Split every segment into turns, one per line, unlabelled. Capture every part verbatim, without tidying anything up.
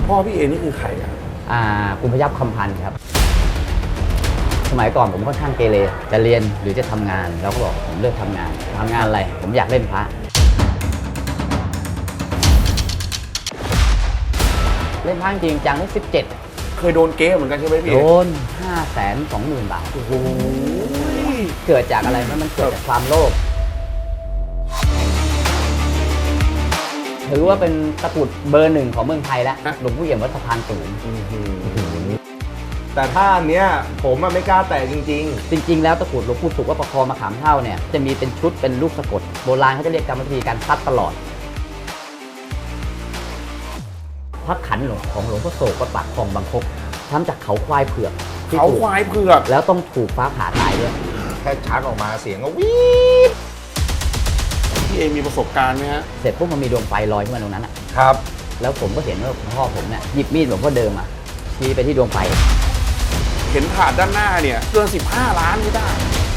พ่อพี่เอนี่คือใครอ่ะ
อ่าคุณพยัคฆ์คำพันธ์ครับสมัยก่อนผมค่อนข้างเกเรจะเรียนหรือจะทำงานเราก็บอกผมเลือกทำงานทำงานอะไรผมอยากเล่นพระเล่นพระจริงจังได้สิบเจ็ด
เคยโดนเก๊เหมือนกันใช่ไหมพี่
โดนห้าแสนสองหมื่นบาท
โอ้โห
เกิดจากอะไรมันเกิดจากความโลภถือว่าเป็นตะกรุดเบอร์หนึ่งของเมืองไทยแล้วหลวงพ่อเอี่ยมวัดสะพานสูง
แต่ถ้าอันเนี้ยผมไม่กล้าแตะจริง
ๆจริงๆแล้วตะกรุดหลวงปู่สุขวัดประคองมะขามเท่าเนี่ยจะมีเป็นชุดเป็นลูกสะกดโบราณเขาจะเรียกกรรมวิธีการซัดตลอดพระขันหลวงของหลวงพ่อโศกวัดปากคลองบางคกทำจากเขาควายเผือก
เขาควายเผือก
แล้วต้องถูกฟ้าผ่าตายด้วย
แค่ชักออกมาเสียงก็วีด
พี่เอมีประสบการณ์ไหมฮะ
เสร็จปุ๊บมันมีดวงไฟลอยขึ้นมาตรงนั้นอ่ะ
ครับ
แล้วผมก็เห็นว่าพ่อผมเนี่ยหยิบมีดหลวงพ่อเดิมอ่ะชี้ไปที่ดวงไฟ
เห็นถาดด้านหน้าเนี่ยเกินสิบห้าล้านไม่ได้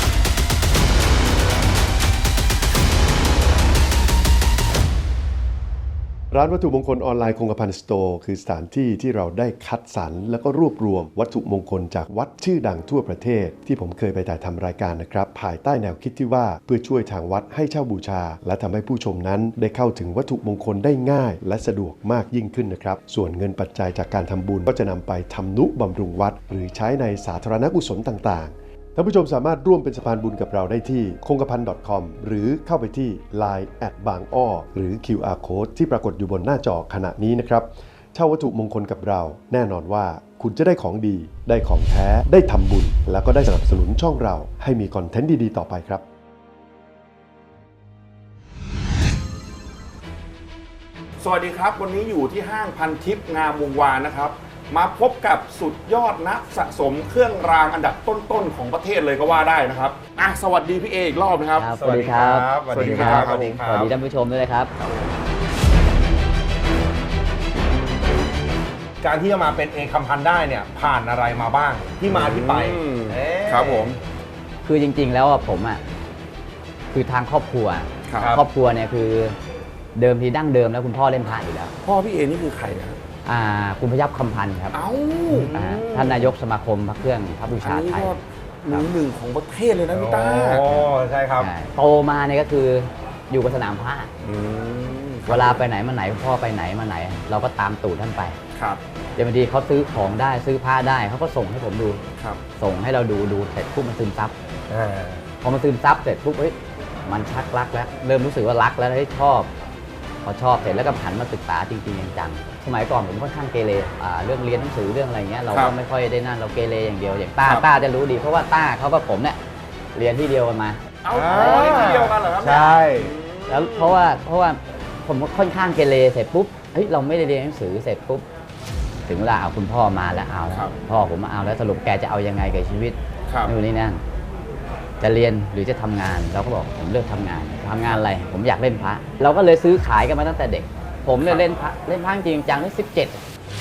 ร้านวัตถุมงคลออนไลน์คงกระพันสโตร์คือสถานที่ที่เราได้คัดสรรและก็รวบรวมวัตถุมงคลจากวัดชื่อดังทั่วประเทศที่ผมเคยไปถ่ายทำรายการนะครับภายใต้แนวคิดที่ว่าเพื่อช่วยทางวัดให้เช่าบูชาและทำให้ผู้ชมนั้นได้เข้าถึงวัตถุมงคลได้ง่ายและสะดวกมากยิ่งขึ้นนะครับส่วนเงินปัจจัยจากการทำบุญก็จะนำไปทำนุบำรุงวัดหรือใช้ในสาธารณกุศลต่างๆท่านผู้ชมสามารถร่วมเป็นสะพานบุญกับเราได้ที่คงกระพัน .com หรือเข้าไปที่ ไลน์ แอท บางอ้อหรือ คิว อาร์ Code ที่ปรากฏอยู่บนหน้าจอขณะนี้นะครับเช่าวัตถุมงคลกับเราแน่นอนว่าคุณจะได้ของดีได้ของแท้ได้ทำบุญแล้วก็ได้สนับสนุนช่องเราให้มีคอนเทนต์ดีๆต่อไปครับ
สวัสดีครับวันนี้อยู่ที่ห้างพันทิพย์งามวงวานนะครับมาพบกับสุดยอดนักสะสมเครื่องรางอันดับต้นๆของประเทศเลยก็ว่าได้นะครับอ่ะสวัสดีพี่เออีกรอบนะครับ
สวัสดีครับ
สวัสดีครับ
สวัสดีครับสวัสดีท่านผู้ชมด้วยครับ
การที่จะมาเป็นเอคำพันธ์ได้เนี่ยผ่านอะไรมาบ้างที่มาที่ไป
ครับผม
คือจริงๆแล้วผมอ่ะคือทางครอบครัวครอบครัวเนี่ยคือเดิมทีดั้งเดิมแล้วคุณพ่อเล่นพระอยู่แล้ว
พ่อพี่เอนี่คือใครครับ
อ่าคุณพยัคฆ์คำพันธ์ครับ
เอ้า
ท่านนายกสมาคมพระเครื่องพระบูชาไทย
หนึ่งหนึ่งของประเทศเลยนะพี่ต้า
โอ้ใช่ครับ
โตมาเนี่ยก็คืออยู่กับสนามพระเวลาไปไหนมาไหนพ่อไปไหนมาไหนเราก็ตามตูดท่านไป
ครับ
เดี๋ยวบางทีเขาซื้อของได้ซื้อผ้าได้เขาก็ส่งให้ผมดู
ครับ
ส่งให้เราดูดูเสร็จปุ๊บมันซึมซับพอมันซึมซับเสร็จปุ๊บเฮ้ยมันชักรักแล้วเริ่มรู้สึกว่ารักแล้วให้ชอบพอชอบเสร็จแล้วก็หันมาศึกษาจริงๆจังๆสมัยก่อนผมค่อนข้างเกเรเรื่องเรียนหนังสือเรื่องอะไรเงี้ยเราก็ไม่ค่อยได้นั่นเราเกเรอย่างเดียวอย่างต้าต้าจะรู้ดีเพราะว่าต้าเขากับผมเนี่ยเรียนที่เดียวกันมา
เอาที่เดียวกันเหรอครับ
ใช่
แล้วเพราะว่าเพราะว่าผมค่อนข้างเกเรเสร็จปุ๊บเฮ้ยเราไม่ได้เรียนหนังสือเสร็จปุ๊บถึงเวลาเอาคุณพ่อมาแล้วเอาพ่อผมมาเอาแล้วสรุปแกจะเอายังไงกับชีวิตนู่นนี่นั่นจะเรียนหรือจะทำงานเราก็บอกผมเลือกทำงานทำงานอะไรผมอยากเล่นพระเราก็เลยซื้อขายกันมาตั้งแต่เด็กผมเนี่ยเล่นพระเล่นพระจริงจังได้สิบเจ็ด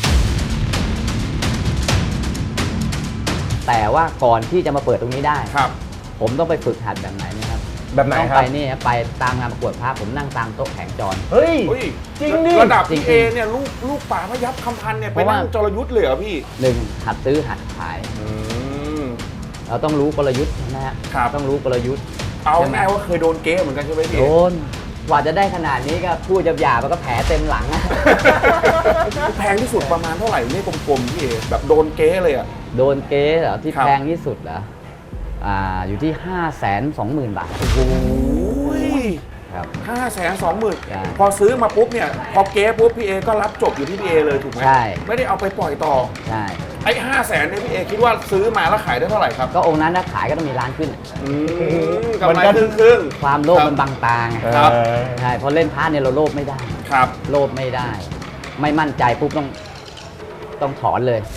แต่ว่าก่อนที่จะมาเปิดตรงนี้ได้ผมต้องไปฝึกหัดแบบไหนนะครับ
แบบไหน
ต้องไปนี่ไปตามงานประกวดพระผมนั่งตามโต๊ะแข่งจร
เฮ้ยจริงดิ
ระดับพี่เอเนี่ยลูกลูกป่าพยัคฆ์คำพันธ์เนี่ยไปนั่งจรยุทธ์เลยเหรอพี่
หนึ่งหัดซื้อหัดขายเราต้องรู้กลยุทธ์นะฮะต้องรู้กลยุทธ์
เอาแน่ว่าเคยโดนเก๊เหมือนกันใช่ไหมพี่
โดนกว่าจะได้ขนาดนี้ก็พูดหยาบๆมันก็แผลเต็มหลัง
แพงที่สุดประมาณเท่าไหร่นี่กลมๆพี่เอแบบโดนเก๊เลยอ่ะ
โดนเก๊เหรอที่แพงที่สุดเหรออ่าอยู่ที่ห้าแสนสองหมื่นบาท
โอ้โห
ครับ
ห้าแสนสองหมื่นพอซื้อมาปุ๊บเนี่ยพอเก๊ปุ๊บพี่เอก็รับจบอยู่ที่พี่เอเลยถูกไหม
ใช่
ไม่ได้เอาไปปล่อยต่อ
ใช่
ไอ้ห้าแสนเนี่ยพี่เอคิดว่าซื้อมาแล้วขายได้เท่าไหร่ครับ
ก็องค์นั้นถ้าขายก็ต้องมีล้านขึ้น
กำไรครึ่งครึ่ง
ความโลภมันบังตาไง
ครับ
ใช่พอเล่นพาร์ทเนี่ยเราโลภไม่ได้
ครับ
โลภไม่ได้ไม่มั่นใจปุ๊บต้องต้องถอนเลย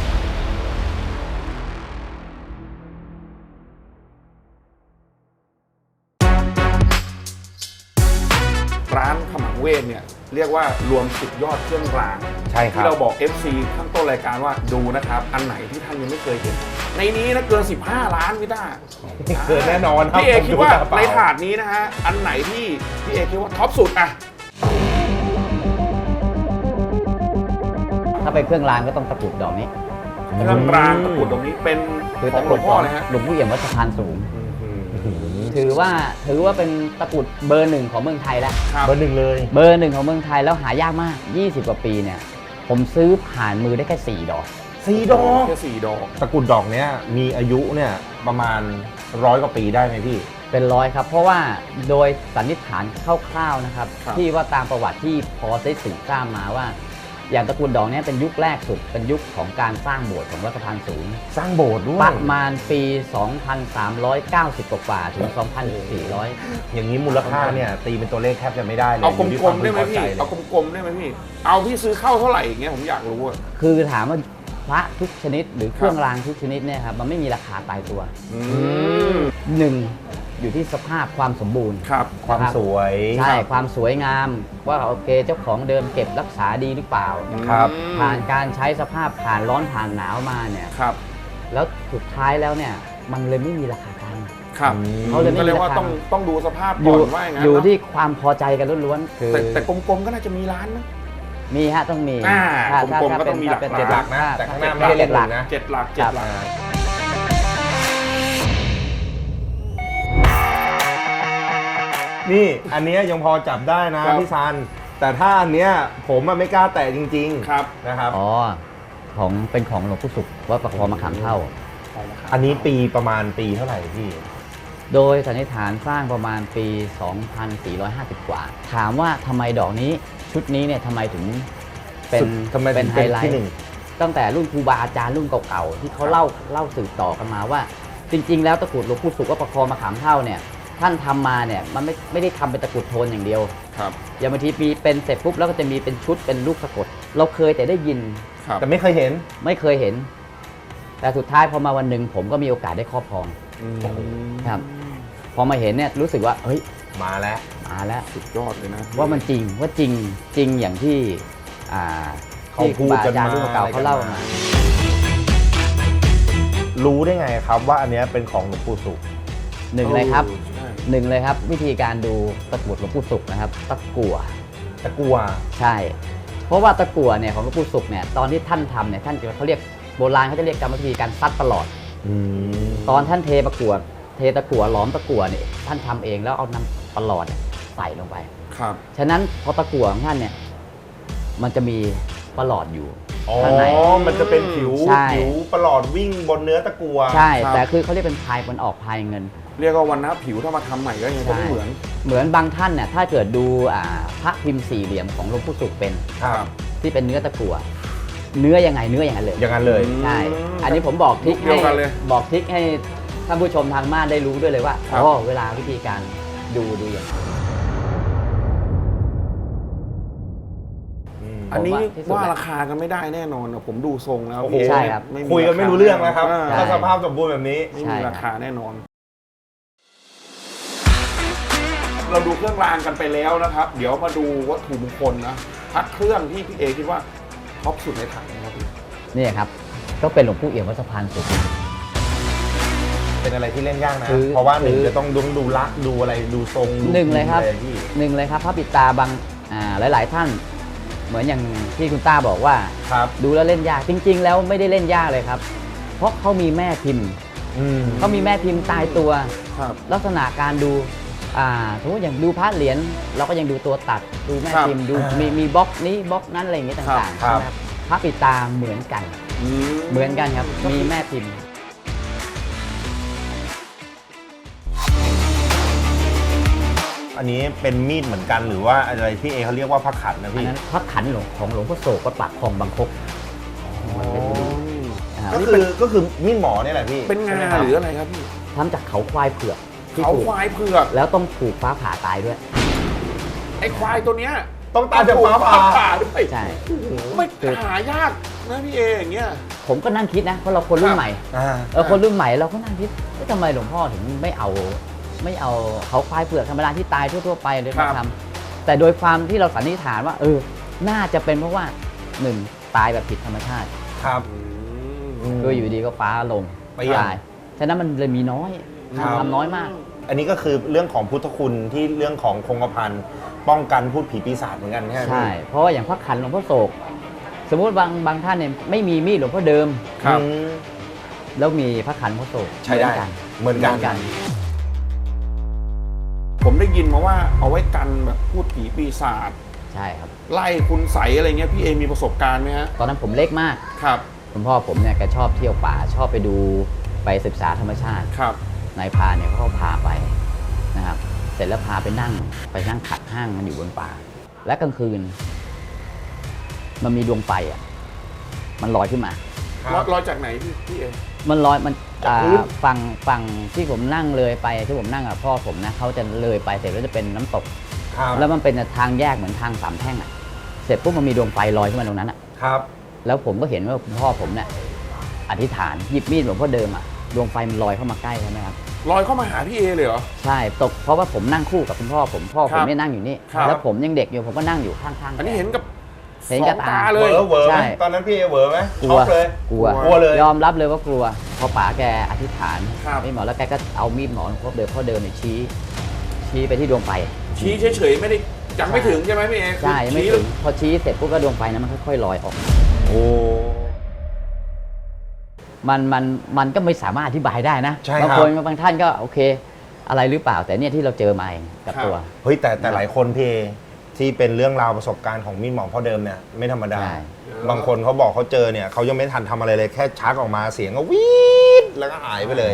ร้านขมังเวทเนี่ยเรียกว่ารวมสุดยอดเครื่องราง
ใช่ครับ
ที่เราบอก เอฟ ซี ข้างต้นรายการว่าดูนะครับอันไหนที่ท่านยังไม่เคยเห็นในนี้นะเกินสิบห้าล้านพี่ต้า
เกินแน่นอน
พี่เอคิดว่าในถาดนี้นะฮะอันไหนที่พี่เอคิดว่าท็อปสุดอะ
ถ้าเป็นเครื่องรางก็ต้องตะกรุดดอกนี้
เครื่องรางตะกรุดตรงนี้เป็น
คือ
ขอ
ตะ
ง
ก
หล
รุ
ว
ด
งพ่อเลยฮะ
หลวงพ่อเอี่ยมวัดสะพานสูง
อืม
ถือว่าถือว่าเป็นตะกรุดเบอร์หนึ่งของเมืองไทยแล้ว
ครับ
เบอร์หนึ่งเลย
เบอร์หนึ่งของเมืองไทยแล้วหายากมาก ยี่สิบ กว่าปีเนี่ยผมซื้อผ่านมือได้แค่สี่ดอก
สี่ดอก
แค่สี่ดอก
ตะกรุดดอกเนี้ยมีอายุเนี่ยประมาณร้อยกว่าปีได้ไหมพี่
เป็นร้อยครับ เพราะว่าโดยสันนิษฐานคร่าวๆนะครับ
ครับ
ที่ว่าตามประวัติที่พอได้สืบทราบมาว่า อย่างตระกูลดอกเนี้เป็นยุคแรกสุดเป็นยุคของการสร้างโบสถ์ของวัดสะพานสูง
สร้างโบสถ์ด้ว
ป
ย
ระมาณปี สองพันสามร้อยเก้าสิบ กว่าๆถึง สองพันสี่ร้อย
อย่างนี้มูลค่าเนี่ยตีเป็นตัวเลขแทบจะไม่ได้เลย
เอาก
ยู่ที่
ล
คว
มๆได้ไหม
พึงพ
พี่
ใจลย
เอากลมๆได้ไหมพี่ เอาพี่ซื้อเข้าเท่าไหร่อย่างเงี้ยผมอยากรู้อะ
คือถามว่าพระทุกชนิดหรือเครื่อง
ครับ
รางทุกชนิดเนี่ยครับมันไม่มีราคาตายตัว
อืม
หนึ่งอยู่ที่สภาพความสมบูรณ์
ครับ
ความสวย
ใช่ความสวยงามว่าโอเคเจ้าของเดิมเก็บรักษาดีหรือเปล่า
ครับ
ผ่านการใช้สภาพผ่านร้อนผ่านหนาวมาเนี่ย
ครับ
แล้วสุดท้ายแล้วเนี่ยมันเลยไม่มีราคากลาง
ครับ
เขาเลยไม่
ก็
มี
เรียกว่า
ราคา
ต้องต้องดูสภาพ
อ
ก่
ยู่
อนว่าอย่างนั้น
อยู่
เนอะ
ที่ความพอใจกันล้วนๆคือ
แต่แต่กลมๆก็น่าจะมีร้านนะ
มีฮะต้องมี
อ่า
ถ้าถ้าก
ลมๆ
ถ้า
ก็
เป็
ต้
น
องมี
ถ้าเป็น
หลัก
เจ็ดหลักนะ
ถ้
แต่ข้างห
ถ้
น้าไม่ได้
เจ็ดหลัก
นะ
เจ็ดหลักเจ็ดหลัก
นี่อันเนี้ยยังพอจับได้นะครับ พี่ซัน แต่ถ้าอันเนี้ยผมอะไม่กล้าแตะจริงๆ
ครับ
นะครับ
อ๋อของเป็นของหลวงปู่ศุกร์วัดประคองมะขามเท่า
อันนี้ปีประมาณปีเท่าไหร่พี่
โดยสันนิษฐานสร้างประมาณปี สองพันสี่ร้อยห้าสิบ กว่า ถามว่าทำไมดอกนี้ชุดนี้เนี่ยทำไมถึงเป็น
สุดทำไมถึ
เป็น
ง
ไฮ
เป็น
ไล
ที่
ท์
หนึ่ง
ตั้งแต่รุ่นครูบาอาจารย์รุ่นเก่าๆที่เขาเล่าเล่าสืบต่อกันมาว่า จริง ๆ แล้วตะกรุดหลวงปู่ศุกร์วัดประคองมะขามเท่าเนี่ยท่านทำมาเนี่ยมันไม่ไม่ได้ทำเป็นตะกรุดโทนอย่างเดียว
ครับ
อย่างบางทีมีเป็นเสร็จปุ๊บแล้วก็จะมีเป็นชุดเป็นลูกสะกด เราเคยแต่ได้ยิน
ครับ
แต่ไม่เคยเห็น
ไม่เคยเห็น แต่สุดท้ายพอมาวันหนึ่งผมก็มีโอกาสได้ครอบครอง
อืม
ครับ พอมาเห็นเนี่ยรู้สึกว่าเฮ้ย
มาแล้ว
มาแล้ว
สุดยอดเลยนะ
ว่ามันจริงว่าจริงจริงอย่างที่อ่า
เขา
ที่ครู
พูด
บา
กัน
อาจารย์
มา
รุ่นเก่า
อะไรกัน
เขาเล่า
มา
มา
รู้ได้ไงครับว่าอันเนี้ยเป็นของหลวงปู่ศุกร์
หนึ่งเลยครับ
ใช่
หนึ่งเลยครับ วิธีการดูตะกรุดหลวงปู่ศุกร์นะครับตะกั่ว
ตะกัว
ใช่ เพราะว่าตะกั่วเนี่ยของหลวงปู่ศุกร์เนี่ยตอนที่ท่านทำเนี่ยท่านจะเขาเรียกโบราณเขาจะเรียกกรรมวิธีการซัดประหลอด ตอนท่านเทตะกั่วเทตะกั่วหลอมตะกั่วเนี่ยท่านทำเองแล้วเอาน้ำประหลอดเนี่ยใส่ลงไป
ครับ
ฉะนั้นพอตะกั่วของท่านเนี่ยมันจะมีประหลอดอยู่
อ๋อ
ข้างใน
มันจะเป็นผิว
ใช่
ผิวประหลอดวิ่งบนเนื้อตะกัว
ใช่
ครับ
แต่คือเขาเรียกเป็นพายมันออกพายเงิน
เรียกว่าวันน้าผิวถ้ามาทำใหม่ก็ยังจะไม่เหมือน
เหมือนบางท่านเนี่ยถ้าเกิดดูอ่าพระพิมพ์สี่เหลี่ยมของหลวงปู่ศุกร์เป็น
ครับ
ที่เป็นเนื้อตะกั่วเนื้อยังไงเนื้ออย่างนั้นเลย
อย่างนั้นเลย
อืม
ใช่ อันนี้ผมบอกทริค
เดี
ให้
ยวกันเลย
บอกทริคให้ท่านผู้ชมทางบ้านได้รู้ด้วยเลยว่า
ครับ
อ๋อเวลาวิธีการดูดูอย่างไร
อันนี้
ผมว่าที่สุด
ว่า
แล้ว
ราคากันไม่ได้แน่นอนนะผมดูทรงแล้ว
โอ้โห
ใช่ครับ
ไม่
คุยกันไม่รู้เรื่องแล้วครับ
อ่า
ใช่
ถ้าสภาพสมบูรณ์แบบนี้
ไม่
ใช่
มี
ครับ
ราคาแน่นอน เราดูเครื่องรางกันไปแล้วนะครับ เดี๋ยวมาดูวัตถุมงคลนะพักเครื่องที่พี่เอคิดว่าท็อปสุดในถังนะครับพี่
นี่ครับก็เป็นหลวงปู่เอี่ยมวัดสะพานสูง
เป็นอะไรที่เล่นยากนะ
คือ
เพราะว่าหนึ่ง
คือ
จะต้องดูดูลักษณ์ดูอะไรดูทรงดู
หนึ่งเลยครับ
อะไรที่
หนึ่งเลยครับพระปิดตาบางอ่าหลาย ๆ ท่าน เหมือนอย่างที่คุณต้าบอกว่า
ครับ
ดูแล้วเล่นยากจริง ๆ แล้วไม่ได้เล่นยากเลยครับ เพราะเขามีแม่พิมพ์
อืม
เขามีแม่พิมพ์ตายตัว
ครับ
ลักษณะการดูอ่าสมมติอย่างดูพระเหรียญเราก็ยังดูตัวตัดดูแม่
ครับ
พิมพ์ดูมีมีบล็อกนี้บล็อกนั้นอะไรอย่างเงี้ยต่างๆ
ครับ
ใช่ไหมครับพระปิดตาเหมือนกัน เหมือนกันครับมีแม่พิมพ์
อันนี้เป็นมีดเหมือนกันหรือว่าอะไรที่เอเขาเรียกว่าพระขันนะ
อัน
พี่
นั้นพระขันหลวงของหลวงพ่อโศกวัดปากคลองบางคกนะครับ
ก็คือก็คือมีดหมอเนี่ยแหละพี่
เป็นงา
ใช่ไมคบ
หรืออะไรครับพี่
ทำจากเขาควายเผือกที่
เขา
ถูก
ควายเผือก
แล้วต้องถูกฟ้าผ่าตายด้วย
ไอ้ควายตัวเนี้ย
ต้องตายจากฟ้าผ่า
ผ่าด้วย
ใช่
ไม่หายากนะพี่เออย่างเงี้ย
ผมก็นั่งคิดนะเพราะเราคนรุ่นใหม่
อ่า
เออคนรุ่นใหม่เราก็นั่งคิดว่าทำไมหลวงพ่อถึงไม่เอาไม่เอาเขาควายเผือกธรรมดาที่ตายทั่วๆไปเลยมาทำแต่โดยความที่เราสันนิษฐานว่า เออ น่าจะเป็นเพราะว่าหนึ่งตายแบบผิดธรรมชาติ
ครับ
คืออยู่ดีก็ฟ้าลง
ไปอย่าง
ตายฉะนั้นมันเลยมีน้อย
ครับ
ทำน้อยมาก
อันนี้ก็คือเรื่องของพุทธคุณที่เรื่องของคงกระพันป้องกันพูดผีปีศาจเหมือนกันใช่ไหม
ใช่
พี่
เพราะว่าอย่างพระขันหลวงพ่อโศกสมมุติบางบางท่านเนี่ยไม่มีมีดหลวงพ่อเดิม
ครับ
อืม
แล้วมีพระขันพระโศก
ใช้ได้เหมือนกัน
กัน
ผมได้ยินมาว่าเอาไว้กันแบบพูดผีปีศาจ
ใช่ครับ
ไล่คุณใสยอะไรเงี้ยพี่เอมีประสบการณ์ไหมฮะ
ตอนนั้นผมเล็กมาก
ครับ
คุณพ่อผมเนี่ยแกชอบเที่ยวป่าชอบไปดูไปศึกษาธรรมชาติ
ครับ
นายพรานเนี่ยเขาก็พาไปนะครับ เสร็จแล้วพาไปนั่งไปนั่งขัดห้างมันอยู่บนป่า และกลางคืน มันมีดวงไฟอ่ะมันลอยขึ้นมา
รอยรอยจากไหนพี่พี่เอ
มันลอยมัน
จาก
อ่า
พื้น
ฝั่งฝั่งที่ผมนั่งเลยไปที่ผมนั่งกับพ่อผมนะเขาจะเลยไปเสร็จแล้วจะเป็นน้ำตก
ครับ
แล้วมันเป็นทางแยกเหมือนทางสามแท่งอ่ะเสร็จปุ๊บมันมีดวงไฟลอยขึ้นมาตรงนั้นอ่ะ
ครับ
แล้วผมก็เห็นว่าคุณพ่อผมเนี่ยอธิษฐานหยิบมีดหลวงพ่อเดิมอ่ะดวงไฟมันลอยเข้ามาใกล้ใช่ไหมครับ
ลอยเข้ามาหาพี่เอเลยเหรอ
ใช่ตกเพราะว่าผมนั่งคู่กับคุณพ่อผมพ่อ
ค
ผ
รั
ม
บ
เนี่ยนั่งอยู่นี่
ครับ
แล้วผมยังเด็กอยู่ผมก็นั่งอยู่ข้างๆ
อันนี้
แก
เห็นกับ
เห็น
ส
กั
อบ ง
ตา
ตาเล
เวย อร์เวอร์ไหม
ใช่
ตอนนั้นพี่เอเวอร์ไหม
กลั
ช็
ว
อกเลย
กลัว
กลัวเลย
ยอมรับเลยว่ากลัวพอป๋าแกอธิษฐาน
ครับ
ไม่หมอแล้วแกก็เอามีดหมอหลวงพ่อเดิมพ่อเดิมเนี่ยชี้ ชี้ไปที่ดวงไฟ
ชี้เฉยๆไม่ได้ยังไม่ถึงใช่ไหมพี่เอ
ใช่ไม่
ชี้
ถึงพอชี้เสร็จปุ๊บก็ดวงไฟนั้นมันค่อยๆลอยออก
โอ้
มันมันมันก็ไม่สามารถอธิบายได้นะ
ใช่
บาง
ครับ
คนบางท่านก็โอเค อะไรหรือเปล่าแต่เนี่ยที่เราเจอมาเองกับตัว
เฮ้ยแต่แต่หลายคนพี่เอที่เป็นเรื่องราวประสบการณ์ของมีดหมอพ่อเดิมเนี่ยไม่ธรรมดา
ใช่
บางคนเขาบอกเขาเจอเนี่ยเขายังไม่ทันทำอะไรเลยแค่ชักออกมาเสียงก็วีดแล้วก็หายไปเลย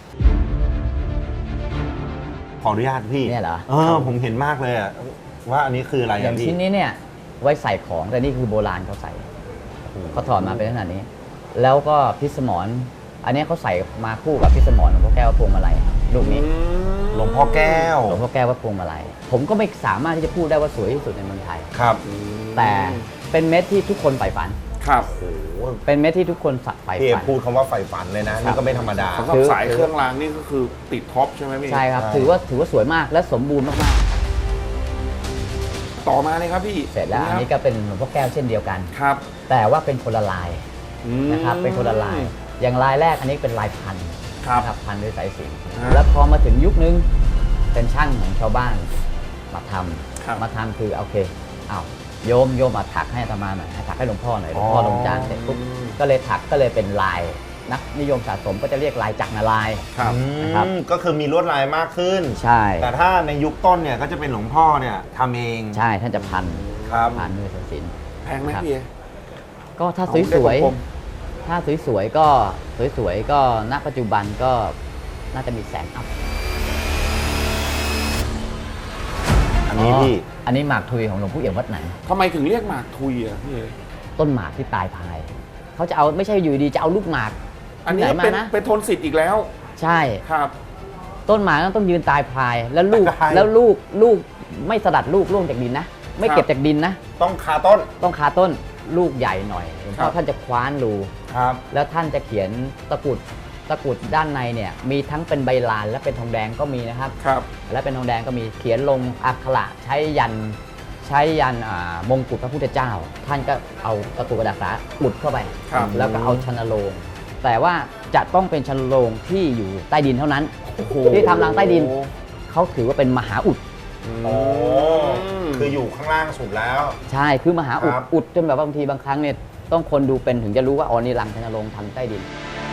ขออนุญาตพี่
เนี่ยเหรอ
เออผมเห็นมากเลยอะว่าอันนี้คืออะไร
อ
อะ
ย่าง
พี่
ชิ้นนี้เนี่ยไว้ใส่ของแต่นี่คือโบราณเขาใส่เขาถอดมาเป็นขนาดนี้ แล้วก็พิสมรอันนี้เขาใส่มาคู่กับพิสมรหลวงพ่อแก้ววัดพวงมาลัยลูกนี้
หลวงพ่อแก้ว
หลวงพ่อแก้ววัดพวงมาลัยผมก็ไม่สามารถที่จะพูดได้ว่าสวยที่สุดในเมืองไทย
ครับ
แต่เป็นเม็ดที่ทุกคนใฝ่ฝัน
ครับ
โอ้โห
เป็นเม็ดที่ทุกคนใฝ่
พี่เอ
ฝัน
พูดคำว่าใฝ่ฝันเลยนะนี่ก็ไม่ธรรมดา
สำหรับสายเครื่องรางนี่ก็คือติดท็อปใช่ไหมพี่
ใช่ครับ
ใช่
ถือว่าถือว่าสวยมากและสมบูรณ์มาก
ต่อมาเลยครับพี่
ๆเสร็จแล้วอันนี้ก็เป็นหลวงพ่อแก้วเช่นเดียวกัน
ครับ
แต่ว่าเป็นคนละลาย
อืม
นะครับเป็นคนละลาย อย่างลายแรกอันนี้เป็นลายพัน
ครับ
นะครับพันด้วยสายสิญจน์
ฮะ
แล้วพอมาถึงยุคนึงเป็นช่างของชาวบ้านมาท
ครับ
ำมาทำคือโอเคอ้าวโยมโยมมาถักให้อาตมาหน่อยให้ถักให้หลวงพ่อหน่อยหลวงพ่อลงจานเสร็จปุ๊บก็เลยถักก็เลยเป็นลายนักนิยมสะสมก็จะเรียกลายจักรนาลายณ์
ครับ
อืม
นะครับ
ก็คือมีลวดลายมากขึ้น
ใช่
แต่ถ้าในยุคต้นเนี่ยก็จะเป็นหลวงพ่อเนี่ยทำเอง
ใช่ท่านจะพัน
ครับ
พันด้วยสายสิญจน์
แพงไหม
ครับ
พี่เอ
ก็ถ้า
เอา
ส
ได้
วย
กลม
ๆถ้าสวยๆก็สวยๆก็ณปัจจุบันก็น่าจะมีแสนอัพ
อันนี้พี่
อันนี้หมากทุยของหลวงปู่เอี่ยมวัดไหน
ทำไมถึงเรียกหมากทุยอ่ะพี่เอ
ต้นหมากที่ตายพายเขาจะเอาไม่ใช่อยู่ดีจะเอาลูกหมาก
อันนี้
ที่ไหนมา
เป็น
นะ
เป็นทนสิทธิ์อีกแล้ว
ใช่
ครับ
ต้นหมากต้องยืนตายพายแล้วลูก
ตาย
แล้วลูกลูกไม่สลัดลูกร่วงจากดินนะ ไม่เก็บจากดินนะ
ต้องคาต้น
ต้องคาต้นลูกใหญ่หน่อยหลวงพ่
ครั
อบ ท่านจะคว้านรู
ครับ
แล้วท่านจะเขียนตะกรุดตะกรุดด้านในเนี่ยมีทั้งเป็นใบลานและเป็นทองแดงก็มีนะครับ
ครับ
และเป็นทองแดงก็มีเขียนลงอักขระใช้ยันใช้ยันอ่ามงกุฎพระพุทธเจ้า ท่านก็เอาตะกรุดกระดาษสาอุดเข้าไป
ครับ
แล้วก็เอาชนโลงแต่ว่าจะต้องเป็นชนโลงที่อยู่ใต้ดินเท่านั้น
โอ้โห
ที่ทำรังใต้ดิน เขาถือว่าเป็นมหาอุด
อ๋อคืออยู่ข้างล่างสุดแล้ว
ใช่คือมหาอุด
ครับ
อุดจนแบบว่าบางทีบางครั้งเนี่ยต้องคนดูเป็นถึงจะรู้ว่าอ๋อนี่รังชนโลงทำใต้ดิน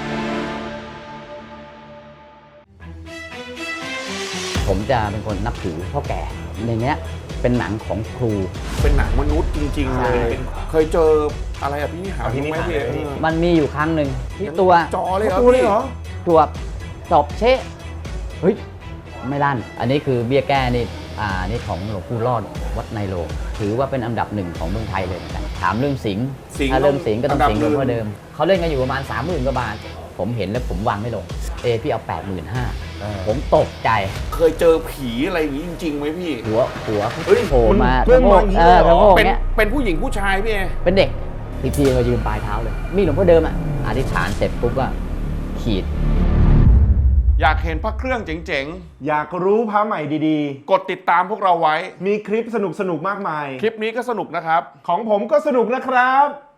ผมจะเป็นคนนับถือพ่อแก่ในเนี้ยเป็นหนังของครู
เป็นหนังมนุษย์จริง ๆ
ใช่
เลยเป็นเคยเจออะไรอะพี่นิหาร
อภินิหาร
ไหมพี่เอ
เลย
เออ
มันมีอยู่ครั้งหนึ่งที่ตัว
จอเลยเหรอ
ตัวเลยเหรอ
ตัวตบเชะเฮ้ยไม่ลั่น อันนี้คือเบี้ยแก้นี่อ่านี่ของหลวงปู่รอดวัดในโลงถือว่าเป็นอันดับหนึ่งของเมืองไทยเลยเหมือนกันถามเรื่องสิงห์
สิงห์
ถ้าเรื่องสิงห์ก็ต้อง
อันดับ
สิงห์หลวงพ่อ
หนึ่ง
เดิมเขาเล่นกันอยู่ประมาณสามหมื่นกว่าบาท ผมเห็นแล้วผมวางไม่ลงเอพี่เอาแปดหมื่นห้า
อ่า
ผมตกใจ
เคยเจอผีอะไรอย่างนี้จริงๆไหมพี่
หัวหัว
เฮ้ย
โผล่มา
เรื่อง
ทั้งโลก
มาอย่างนี้
เออ
เลยเหรอ
ทั้งโลก
เป็น
เนี้ย
เป็นผู้หญิงผู้ชายพี่เอ
เป็นเด็กอีกทีก็ยืนปลายเท้าเลย มีหลวงพ่อเดิมอ่ะอธิษฐานเสร็จปุ๊บก็ขีด
อยากเห็นพระเครื่องเจ๋ง
อยากรู้พระใหม่ดี
ๆ กดติดตามพวกเราไว้
ๆ มีคลิปสนุกๆ มากมาย
คลิปนี้ก็สนุกนะครับ
ของผมก็สนุกนะครับ